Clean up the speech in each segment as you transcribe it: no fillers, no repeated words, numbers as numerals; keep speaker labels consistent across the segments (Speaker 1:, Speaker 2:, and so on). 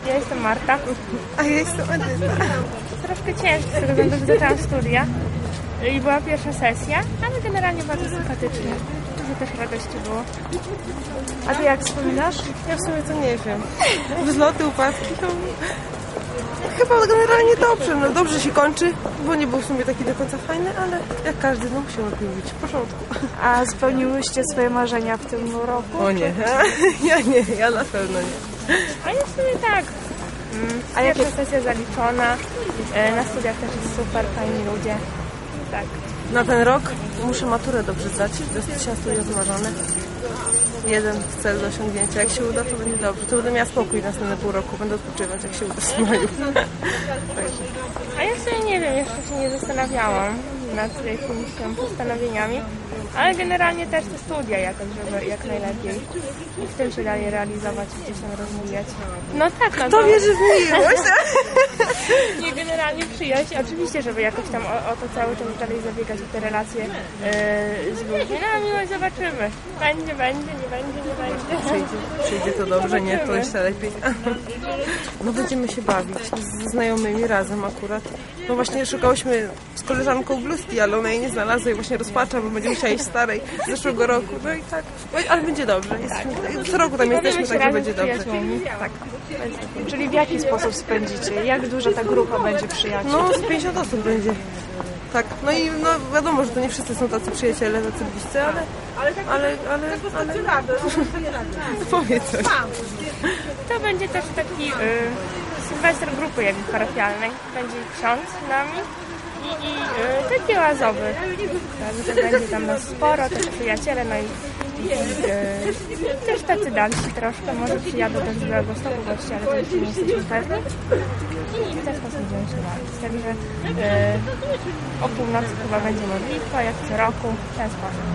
Speaker 1: Ja jestem Marta.
Speaker 2: A ja jestem Edyta.
Speaker 1: Troszkę ciężko, z tego względu, że zaczęłam studia i była pierwsza sesja, ale generalnie bardzo sympatycznie. Dużo też radości było.
Speaker 2: A ty jak wspominasz? Ja w sumie to nie wiem. Wzloty, upadki to... Chyba generalnie dobrze, no dobrze się kończy, bo nie był w sumie taki do końca fajny, ale jak każdy, no musimy lubić, w porządku.
Speaker 3: A spełniłyście swoje marzenia w tym roku?
Speaker 2: O nie, ja na pewno nie.
Speaker 1: A ja w sumie tak. A pierwsza sesja zaliczona, na studiach też jest super, fajni ludzie. Tak.
Speaker 2: Na ten rok muszę maturę dobrze zdać, to jest 1000 studiów wymarzone. Jeden cel do osiągnięcia. Jak się uda, to będzie dobrze. To będę miała spokój następne pół roku. Będę odpoczywać, jak się uda w maju.
Speaker 1: A ja sobie nie wiem, jeszcze się nie zastanawiałam nad jakimiś tam postanowieniami, ale generalnie też te studia jakoś, żeby jak najlepiej i w tym się dalej realizować i gdzieś tam rozwijać. No tak, no
Speaker 2: to wierzy w miłość.
Speaker 1: Nie, generalnie przyjaźń, oczywiście, żeby jakoś tam o to cały czas dalej zabiegać, o te relacje z ludźmi. No a miłość zobaczymy. Będzie, nie będzie.
Speaker 2: Przyjdzie to dobrze, nie, to jeszcze lepiej. No będziemy się bawić ze znajomymi razem akurat. No właśnie szukałyśmy z koleżanką bluzki, ale ona jej nie znalazła i właśnie rozpacza, bo będzie musiała iść starej z zeszłego roku. No i tak, ale będzie dobrze. Co roku tam jesteśmy, także będzie dobrze.
Speaker 1: Tak.
Speaker 3: Czyli w jaki sposób spędzicie? Jak duża ta grupa będzie przyjaciół?
Speaker 2: No z 50 osób będzie. Tak, no i no wiadomo, że to nie wszyscy są tacy przyjaciele, tacy bliscy, ale powiedz coś.
Speaker 1: To będzie też taki sylwester grupy jakby parafialnej. Będzie ksiądz z nami i taki oazowy. Także będzie tam nas sporo, też przyjaciele, no i też tacy dalsi troszkę, może przyjadą też z Białegostoku goście, ale to jeszcze nie jesteśmy pewni. I w ten sposób będziemy się bawić. Także o północy chyba będzie modlitwa, jak co roku, w ten sposób.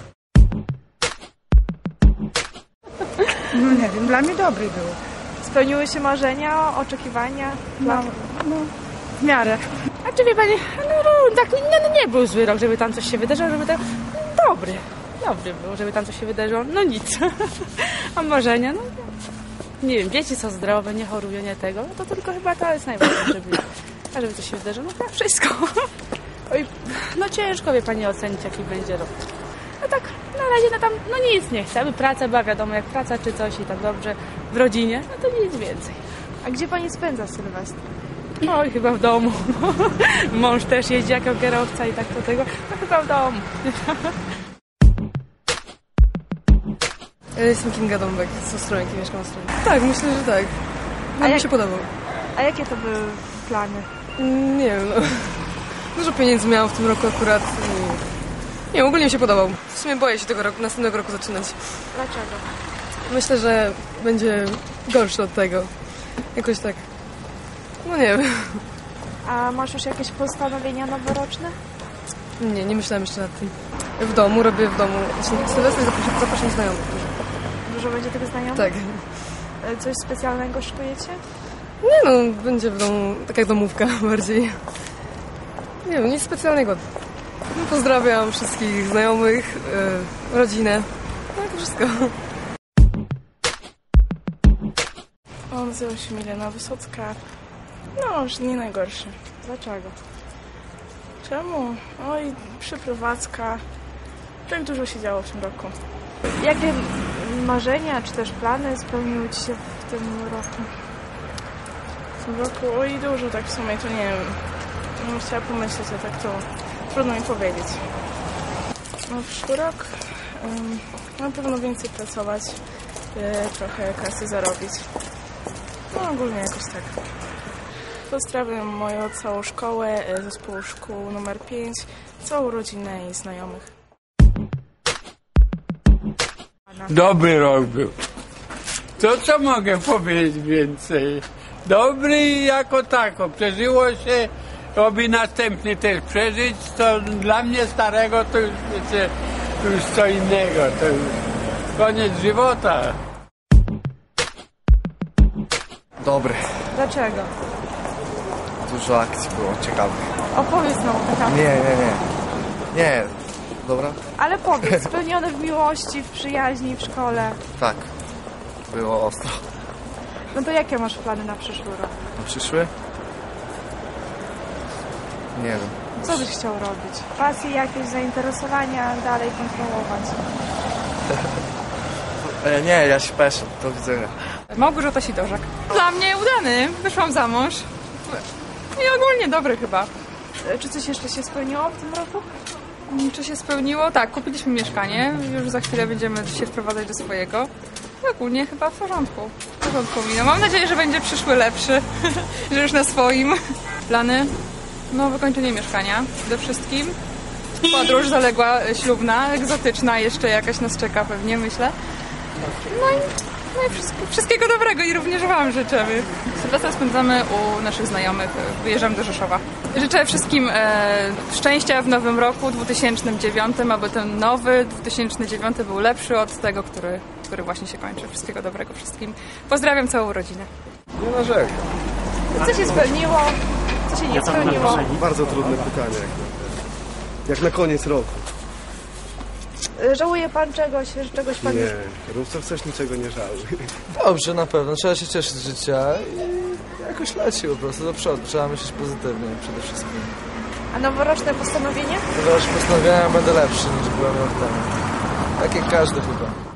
Speaker 4: No nie wiem, dla mnie dobry był.
Speaker 3: Spełniły się marzenia, oczekiwania?
Speaker 4: No, w miarę. A czy wie pani, tak nie był zły rok, żeby tam coś się wydarzyło, żeby tam... Dobry był, żeby tam coś się wydarzyło. No nic. A marzenia, no nie wiem, dzieci są zdrowe, nie chorują, nie tego. No to tylko chyba to jest najważniejsze, żeby coś się wydarzyło. No tak, wszystko. Oj, no ciężko, wie pani, ocenić, jaki będzie rok. No tak, na razie no tam, no nic nie chcemy. Praca była wiadomo, jak praca czy coś i tak dobrze w rodzinie, no to nic więcej.
Speaker 3: A gdzie pani spędza Sylwestra?
Speaker 4: Oj, chyba w domu. Mąż też jeździ jako kierowca i tak do tego. No chyba w domu.
Speaker 2: Ja jestem Kinga Dąbek z Ostrołęki, mieszkam w Ostrołęce. Tak, myślę, że tak. No, mi się podobał.
Speaker 3: A jakie to były plany?
Speaker 2: Nie wiem, no. Dużo pieniędzy miałam w tym roku akurat. Nie, ogólnie mi się podobał. W sumie boję się tego roku, następnego roku zaczynać.
Speaker 3: Dlaczego?
Speaker 2: Myślę, że będzie gorszy od tego. Jakoś tak. No nie wiem.
Speaker 3: A masz już jakieś postanowienia noworoczne?
Speaker 2: Nie myślałam jeszcze nad tym. W domu, robię w domu. Sylwester zapraszam znajomych.
Speaker 3: Dużo będzie tego znajomych?
Speaker 2: Tak.
Speaker 3: Coś specjalnego szykujecie?
Speaker 2: Nie no, będzie w domu, tak jak domówka bardziej. Nie wiem, nic specjalnego. No, pozdrawiam wszystkich znajomych, rodzinę. No to wszystko.
Speaker 5: Nazywam się Milena Wysocka. No, już nie najgorszy.
Speaker 3: Dlaczego?
Speaker 5: Czemu? Oj, przeprowadzka. Tak dużo się działo w tym roku.
Speaker 3: Jakie marzenia czy też plany spełniły ci się w tym roku?
Speaker 5: W tym roku, oj, dużo tak w sumie, to nie wiem. No, chciałam pomyśleć, a tak to trudno mi powiedzieć. No, przyszły rok na pewno więcej pracować, trochę kasy zarobić. No, ogólnie jakoś tak. Pozdrawiam moją całą szkołę, zespół szkół numer 5, całą rodzinę i znajomych.
Speaker 6: Dobry rok był. To co mogę powiedzieć więcej? Dobry jako tako. Przeżyło się, robi następny też przeżyć. To dla mnie starego to już, wiecie, to już co innego. To już koniec żywota.
Speaker 7: Dobry.
Speaker 3: Dlaczego?
Speaker 7: Dużo akcji było ciekawych.
Speaker 3: Opowiedz nam o tych akcjach.
Speaker 7: Nie. Dobra?
Speaker 3: Ale powiedz, spełnione w miłości, w przyjaźni, w szkole.
Speaker 7: Tak. Było ostro.
Speaker 3: No to jakie masz plany na przyszły rok?
Speaker 7: Na przyszły? Nie wiem.
Speaker 3: Co byś chciał robić?
Speaker 1: Pasje, jakieś zainteresowania dalej kontynuować.
Speaker 7: Nie, ja się peszę. Do widzenia.
Speaker 4: Małgorzata Sidorzak. Dla mnie udany. Wyszłam za mąż. I ogólnie dobry chyba.
Speaker 3: Czy coś jeszcze się spełniło w tym roku?
Speaker 4: Czy się spełniło? Tak, kupiliśmy mieszkanie. Już za chwilę będziemy się wprowadzać do swojego. I ogólnie chyba w porządku. W porządku mi. No, mam nadzieję, że będzie przyszły lepszy. Że już na swoim. Plany? No, wykończenie mieszkania. Przede wszystkim. Podróż zaległa ślubna, egzotyczna jeszcze jakaś nas czeka pewnie, myślę. No i wszystkiego dobrego i również Wam życzymy. Sylwestra spędzamy u naszych znajomych, wyjeżdżamy do Rzeszowa. Życzę wszystkim szczęścia w nowym roku 2009, aby ten nowy 2009 był lepszy od tego, który właśnie się kończy. Wszystkiego dobrego wszystkim. Pozdrawiam całą rodzinę.
Speaker 8: Nie narzekam.
Speaker 3: Co się spełniło? Co się nie spełniło?
Speaker 8: Bardzo trudne pytanie. Jak na koniec roku.
Speaker 3: Żałuje pan czegoś? Że czegoś pan już...
Speaker 8: Nie, Rówców też niczego nie żałuj.
Speaker 9: Dobrze, na pewno. Trzeba się cieszyć z życia i jakoś leci po prostu do przodu. Trzeba myśleć pozytywnie przede wszystkim.
Speaker 3: A noworoczne postanowienie?
Speaker 9: Teraz postanowienia będę lepszy niż byłem rok temu. Tak jak każdy chyba.